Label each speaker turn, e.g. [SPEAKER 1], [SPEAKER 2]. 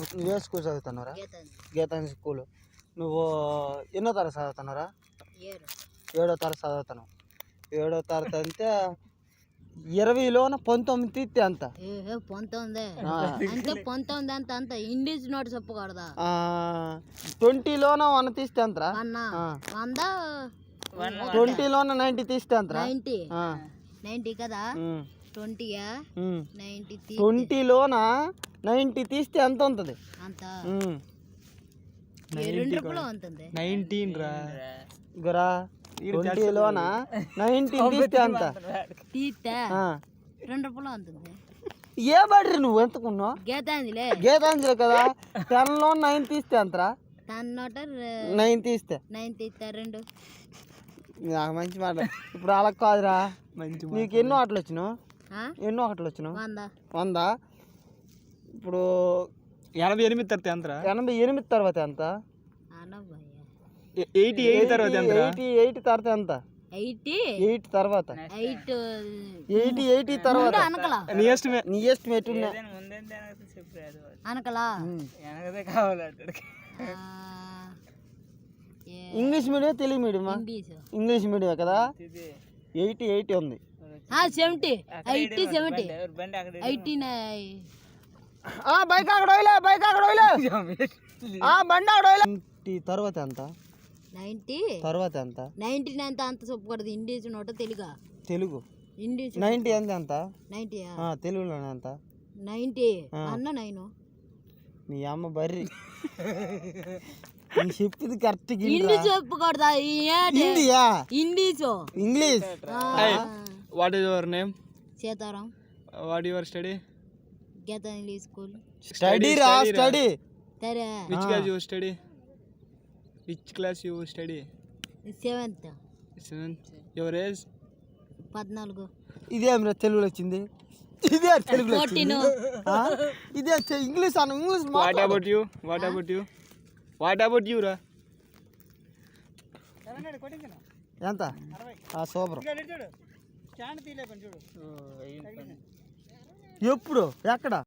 [SPEAKER 1] నువ్వు ఏ స్కూల్ చదువుతున్నారా? గీతాంజలి స్కూల్. నువ్వు ఎన్నో తరగతి చదువుతున్నారా? 7వ తరగతి చదువుతున్నావు. 7వ తరగతి అంటే 20లోన 19 తీస్తే అంత
[SPEAKER 2] 19 అంటే 19 అంత అంత ఇంగ్లీష్ నోట్ చెప్పకూడదా?
[SPEAKER 1] 20లోన 100 తీస్తే అంతరా? 20లోన 90 తీస్తే అంతరా?
[SPEAKER 2] 90 కదా.
[SPEAKER 1] 20లోన 90 తీస్తే ఎంత ఉంటుంది?
[SPEAKER 2] అంత 2 రూపాయలు ఉంటుంది.
[SPEAKER 3] 19 రా
[SPEAKER 1] గురా 20లోన 90 తీస్తే అంత
[SPEAKER 2] తీస్తే 2 రూపాయలు ఉంటుంది.
[SPEAKER 1] ఏ బడ్రి నువ్వు ఎంతకున్నావు? గీతాంజలి కదా. 10లో 9 తీస్తే అంతరా? 9 తీస్తే
[SPEAKER 2] 2
[SPEAKER 1] నాకు మంచి మాట. ఇప్పుడు అలా కాదురా. నీకు ఎన్నో ఆటలు వచ్చినావు? ఎన్నో ఆటలు వచ్చినావు? 100. ఇప్పుడు
[SPEAKER 3] 88 తర్వాత ఎంతరా?
[SPEAKER 1] 88 తర్వాత ఎంత?
[SPEAKER 3] 88 తర్వాత ఎంత?
[SPEAKER 1] 88 తర్వాత ఎంత? 8 తర్వాత 80 తర్వాత
[SPEAKER 3] నీ
[SPEAKER 1] ఎస్టిమేట్
[SPEAKER 2] అనకలా
[SPEAKER 1] ఇంగ్లీష్ మీడియం తెలుగు మీడియమా? ఇంగ్లీష్ మీడియం కదా. 80 ఉంది.
[SPEAKER 2] 70
[SPEAKER 1] బైక్ అక్కడ బండి అక్కడ 90 తర్వాత ఎంత?
[SPEAKER 2] 90
[SPEAKER 1] తర్వాత ఎంత?
[SPEAKER 2] 99 అంత చెప్పకూడదు. ఇంగ్లీష్ నోట తెలుగు ఇంగ్లీష్
[SPEAKER 1] 90 ఎంత?
[SPEAKER 2] 90
[SPEAKER 1] తెలుగులోనే ఎంత?
[SPEAKER 2] 90 అన్న 9.
[SPEAKER 1] నీ అమ్మ బర్రి చెప్పింది కరెక్ట్.
[SPEAKER 2] ఇంగ్లీష్ చెప్పకూడదా?
[SPEAKER 1] English.
[SPEAKER 3] What is your name?
[SPEAKER 2] Sitaram.
[SPEAKER 3] What your study?
[SPEAKER 2] Geetanjali school.
[SPEAKER 1] Study.
[SPEAKER 3] Which class you study? Which class you study?
[SPEAKER 2] 7th.
[SPEAKER 3] Your age?
[SPEAKER 2] 14.
[SPEAKER 1] ఇదేమిరా తెలుగులో వచ్చింది? ఇదే తెలుగులో వచ్చింది. ఇదే ఇంగ్లీష్ అన్న. English.
[SPEAKER 3] What about you? What about you రా?
[SPEAKER 1] ఎంత? సూపర్. ఎప్పుడు? ఎక్కడ?